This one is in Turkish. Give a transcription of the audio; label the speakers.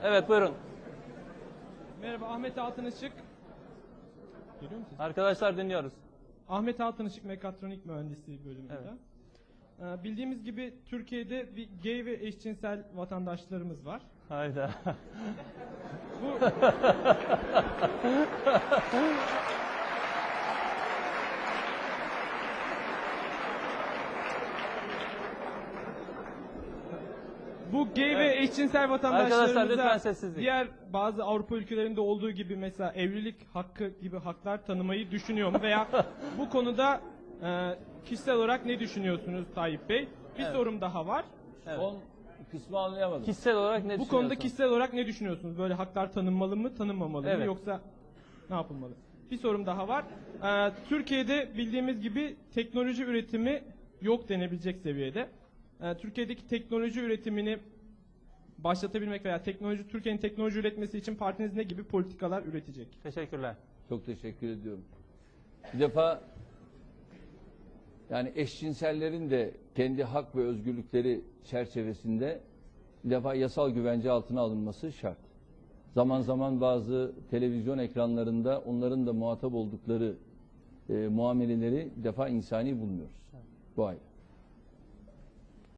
Speaker 1: Evet, buyurun.
Speaker 2: Merhaba, Ahmet Altınışık. Görüyor musunuz?
Speaker 1: Arkadaşlar dinliyoruz.
Speaker 2: Ahmet Altınışık Mekatronik Mühendisliği bölümünde. Bildiğimiz gibi Türkiye'de bir gay ve eşcinsel vatandaşlarımız var.
Speaker 1: Hayda.
Speaker 2: Bu Bu gay ve eşcinsel
Speaker 1: Arkadaşlar lütfen
Speaker 2: vatandaşlarımıza
Speaker 1: sessizlik.
Speaker 2: diğer bazı Avrupa ülkelerinde olduğu gibi mesela evlilik hakkı gibi haklar tanımayı düşünüyor mu? Veya bu konuda kişisel olarak ne düşünüyorsunuz Tayyip Bey? Bir sorum daha var.
Speaker 3: Son kısmı anlayamadım.
Speaker 1: Kişisel olarak ne
Speaker 2: Bu konuda kişisel olarak ne düşünüyorsunuz? Böyle haklar tanınmalı mı, tanınmamalı mı?
Speaker 1: Evet.
Speaker 2: Yoksa ne yapılmalı? Bir sorum daha var. Türkiye'de bildiğimiz gibi teknoloji üretimi yok denebilecek seviyede. Türkiye'deki teknoloji üretimini başlatabilmek veya Türkiye'nin teknoloji üretmesi için partiniz ne gibi politikalar üretecek?
Speaker 1: Teşekkürler.
Speaker 3: Çok teşekkür ediyorum. Bir defa yani eşcinsellerin de kendi hak ve özgürlükleri çerçevesinde bir defa yasal güvence altına alınması şart. Zaman zaman bazı televizyon ekranlarında onların da muhatap oldukları muameleleri bir defa insani bulmuyoruz. Bu ayrı.